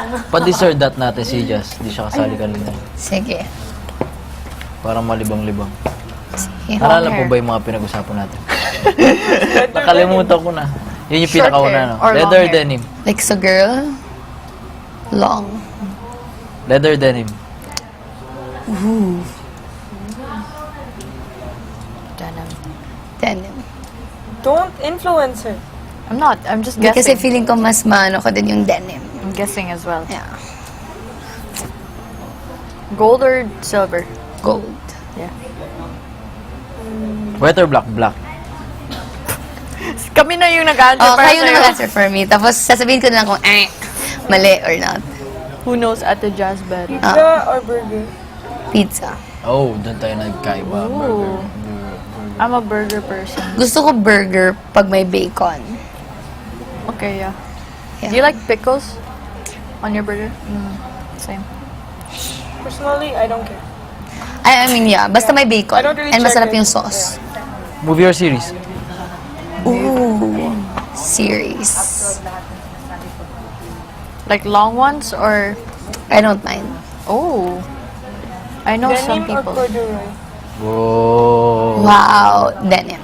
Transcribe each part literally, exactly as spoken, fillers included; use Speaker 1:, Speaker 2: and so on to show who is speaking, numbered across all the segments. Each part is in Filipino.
Speaker 1: Pa-dessert that natin si Jazz. Hindi siya kasali kanina.
Speaker 2: Sige.
Speaker 1: Parang malibang-libang.
Speaker 2: Sige.
Speaker 1: Naalala po ba yung mga pinag-usapan natin? Nakalimutan ko na. Yun yung
Speaker 3: Short
Speaker 1: pinakauna,
Speaker 3: hair
Speaker 1: no?
Speaker 3: or long
Speaker 1: Leather
Speaker 3: hair?
Speaker 1: denim.
Speaker 2: Like sa girl, long.
Speaker 1: Leather denim.
Speaker 2: Ooh.
Speaker 3: Denim.
Speaker 2: Denim.
Speaker 4: Don't influence her.
Speaker 3: I'm not. I'm just
Speaker 2: Hindi, kasi
Speaker 3: guessing.
Speaker 2: feeling ko mas maano ko din yung denim.
Speaker 3: I'm guessing as well.
Speaker 2: Yeah.
Speaker 3: Gold or silver?
Speaker 2: Gold.
Speaker 3: Yeah.
Speaker 1: White or black? Black.
Speaker 3: Kami na yung nag-answer
Speaker 2: Oh,
Speaker 3: para
Speaker 2: kayo na
Speaker 3: sa'yo.
Speaker 2: mag-answer for me. Tapos sasabihin ko na lang kung eh, mali or not.
Speaker 3: Who knows at the jazz bed?
Speaker 4: Pizza or burger?
Speaker 2: Pizza.
Speaker 1: Oh, doon tayo nagkaiba. Burger.
Speaker 3: Ooh. I'm a burger person.
Speaker 2: Gusto ko burger pag may bacon.
Speaker 3: Okay, yeah.
Speaker 2: Yeah.
Speaker 3: Do you like pickles on your burger? Mm, same.
Speaker 4: Personally, I don't care.
Speaker 2: I, I mean, yeah. Basta may bacon.
Speaker 4: I don't really
Speaker 2: And masarap
Speaker 4: check it.
Speaker 2: yung sauce.
Speaker 1: Movie or series?
Speaker 2: Ooh. Series.
Speaker 3: Like long ones or...
Speaker 2: I don't mind.
Speaker 3: Oh. I know some
Speaker 4: Denim or
Speaker 3: people.
Speaker 4: corduroy?
Speaker 1: Whoa.
Speaker 2: Wow. Denim.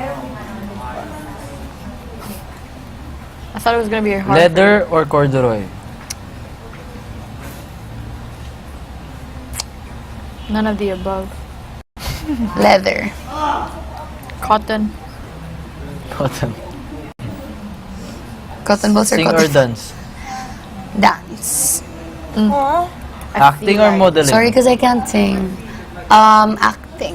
Speaker 3: I thought it was gonna be a hard.
Speaker 1: Leather or corduroy?
Speaker 3: None of the above.
Speaker 2: Leather.
Speaker 3: Cotton.
Speaker 1: Cotton.
Speaker 2: Cotton balls or
Speaker 1: Sing or
Speaker 2: cotton?
Speaker 1: dance?
Speaker 2: Dance.
Speaker 4: Huh?
Speaker 3: I
Speaker 1: Acting
Speaker 3: feel
Speaker 1: or
Speaker 3: like-
Speaker 1: modeling?
Speaker 2: Sorry because I can't sing. Um, acting.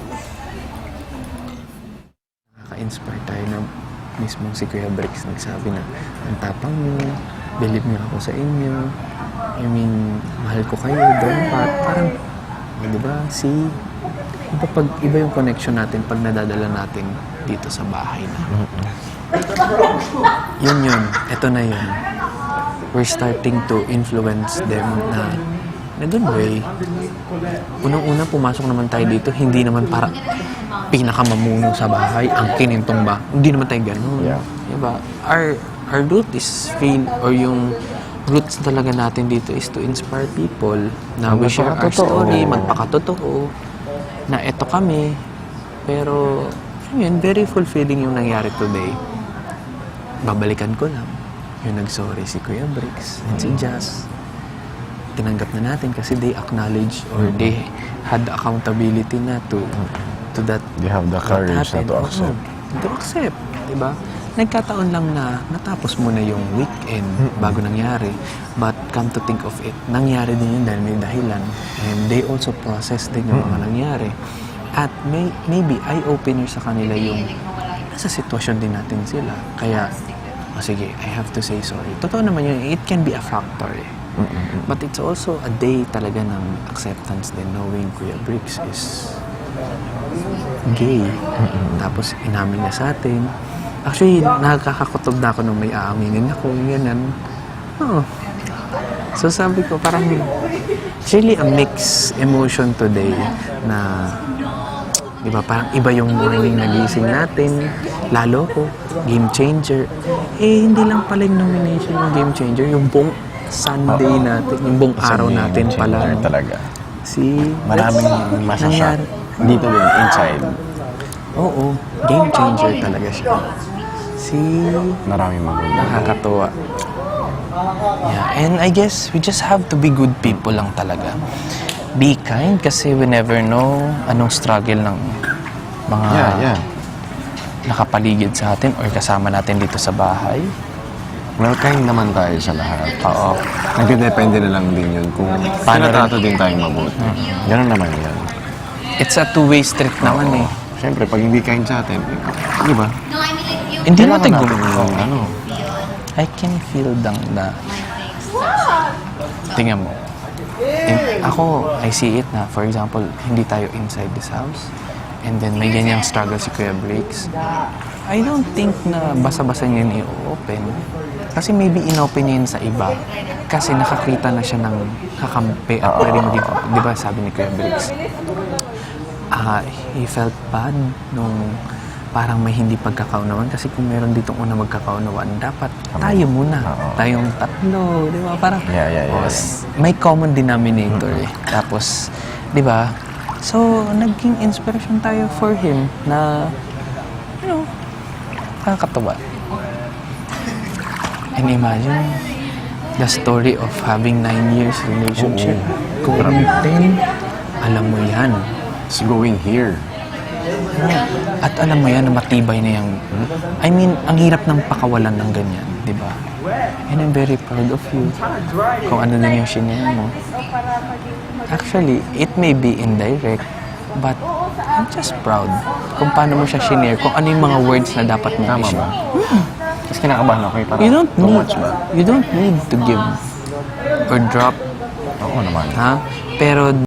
Speaker 5: Nakaka-inspire tayo na mismong si Kuya Bricks nagsabi na ang tapang niyo, believe niyo ako sa inyo. I mean, mahal ko kayo, dapat. Parang, eh, di ba, si... Iba, pag, iba yung connection natin pag nadadala natin dito sa bahay na. Yun yun. Ito na yun. We're starting to influence them na in a good way. Unang-una, pumasok naman tayo dito, hindi naman para pinakamamuno sa bahay, ang kinintong ba. Hindi naman tayo ganun.
Speaker 6: Yeah.
Speaker 5: Diba? Our, our root is feel, or yung roots talaga natin dito is to inspire people na we share our
Speaker 6: Magpakatotoo.
Speaker 5: story, magpakatotoo, na eto kami. Pero, yun, very fulfilling yung nangyari today. Babalikan ko lang. Yung nag-sorry si Kuya Bricks and si Jazz. Tinanggap na natin kasi they acknowledge or they had the accountability na to to that.
Speaker 6: They have the courage na
Speaker 5: happened.
Speaker 6: to accept.
Speaker 5: Oo, to accept, diba? Nagkataon lang na natapos mo na yung weekend bago nangyari. But come to think of it, nangyari din yun dahil may dahilan. And they also process din yung mga nangyari. At may, maybe eye-opener sa kanila yung nasa sitwasyon din natin sila. Kaya, oh, sige, I have to say sorry. Totoo naman yun, it can be a factor eh. But it's also a day talaga ng acceptance din, knowing Kuya Bricks is gay. Tapos inamin niya sa atin. Actually, nakakakutob na ako nung may aaminin ako, ganyan. Oh. So sabi ko, parang it's really a mixed emotion today na, di ba, parang iba yung morning nagising natin, lalo ko, game changer. Eh, hindi lang pala yung nomination yung game changer, yung buong Sunday natin, yung buong araw natin pala.
Speaker 6: Talaga.
Speaker 5: Si...
Speaker 6: Maraming masashock. Dito din, inside.
Speaker 5: Oo, game changer talaga siya. Si...
Speaker 6: Maraming maganda.
Speaker 5: Nakakatuwa. Yeah, and I guess we just have to be good people lang talaga. Be kind kasi we never know anong struggle ng mga
Speaker 6: Yeah, yeah.
Speaker 5: nakapaligid sa atin or kasama natin dito sa bahay.
Speaker 6: Well, kind naman tayo sa lahat.
Speaker 5: Oo.
Speaker 6: Nagdedepende na lang din yun kung paano nato din tayong mabuti. Ganun naman yan.
Speaker 5: It's a two-way street naman eh.
Speaker 6: Siyempre, pag hindi kind sa atin, di ba?
Speaker 5: Hindi mo
Speaker 6: Kailangan
Speaker 5: tigong.
Speaker 6: natin yung ano.
Speaker 5: I can feel dang na... Tingnan mo. In, ako, I see it na, for example, hindi tayo inside this house. And then may ganyang struggle si Kuya Bricks. I don't think na basa-basa niya yun i-open. Kasi maybe in-open niya yun sa iba. Kasi nakakita na siya ng kakampi at pwede maging, di ba sabi ni Kuya Bricks, ah, he felt bad nung parang may hindi pagkakaunawan kasi kung meron ditong una magkakaunawan, dapat tayo muna.
Speaker 6: Oo.
Speaker 5: Tayong tatlo, di ba? Parang,
Speaker 6: Yeah, yeah, yeah,
Speaker 5: oh, s- may common denominator eh. Tapos, di ba? So, naging inspiration tayo for him na, you know, nakakatawa. And imagine, the story of having nine years relationship.
Speaker 6: Oo.
Speaker 5: Going ten, alam mo yan.
Speaker 6: It's going here.
Speaker 5: At alam mo yan na matibay na yung... I mean, ang hirap ng pakawalan ng ganyan, di ba? And I'm very proud of you. Kung ano din yung shinare mo. Actually, it may be indirect, but I'm just proud kung paano mo siya shinare, kung ano yung mga words na dapat mo
Speaker 6: Tama ba?
Speaker 5: i-share.
Speaker 6: Kasi kinakabahan ako eh. Parang
Speaker 5: You don't
Speaker 6: too
Speaker 5: need,
Speaker 6: much ba?
Speaker 5: you don't need to give or drop,
Speaker 6: Oo naman.
Speaker 5: ha? Pero